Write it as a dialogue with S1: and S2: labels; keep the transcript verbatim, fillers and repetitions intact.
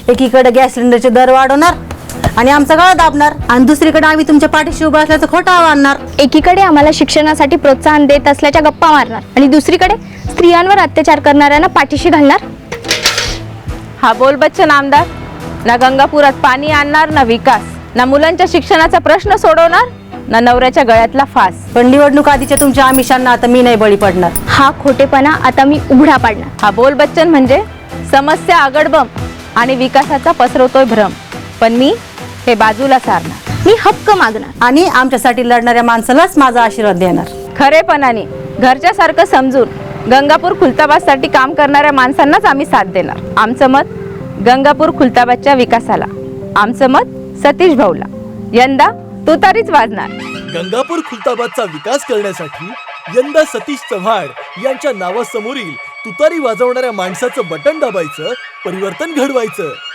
S1: एकीकडे गॅस सिलेंडरचे दर वाढवणार आणि आमचा गळा दाबणार आणि दुसरीकडे आम्ही तुमच्या पाठीशी उभं असल्याचं खोटं आणणार.
S2: एकीकडे आम्हाला शिक्षणासाठी प्रोत्साहन देत असल्याच्या गप्पा मारणार आणि दुसरीकडे स्त्रियांवर अत्याचार करणाऱ्यांना पाठीशी घालणार.
S3: हा बोल बच्चन आमदार ना गंगापुरात पाणी आणणार, ना विकास, ना मुलांच्या शिक्षणाचा प्रश्न सोडवणार, ना नवऱ्याच्या गळ्यातला फास.
S1: पण निवडणूक आधीच्या तुमच्या आमिषांना आता मी नाही बळी पडणार.
S2: हा खोटेपणा आता मी उघडा पाडणार.
S3: हा बोल बच्चन म्हणजे समस्या आगडबम आणि विकासाचा पसरवतोय भ्रम, पण मी हे बाजूला सारणार.
S2: मी हक्क मागणार
S1: आणि आमच्यासाठी लढणाऱ्या माणसालाच माझा आशीर्वाद देणार.
S3: खरेपणाने घरच्यासारखं समजून गंगापूर खुलताबादसाठी काम करणाऱ्या माणसांनाच आम्ही साथ देणार. आमचं मत गंगापूर खुलताबादच्या विकासाला, आमचं मत सतीश भाऊला. यंदा तुतारीच वाजणार.
S4: गंगापूर खुलताबादचा विकास करण्यासाठी यंदा सतीश चव्हाण यांच्या नावासमोरील तुतारी वाजवणाऱ्या माणसाचं बटन दाबायचं, परिवर्तन घडवायचं.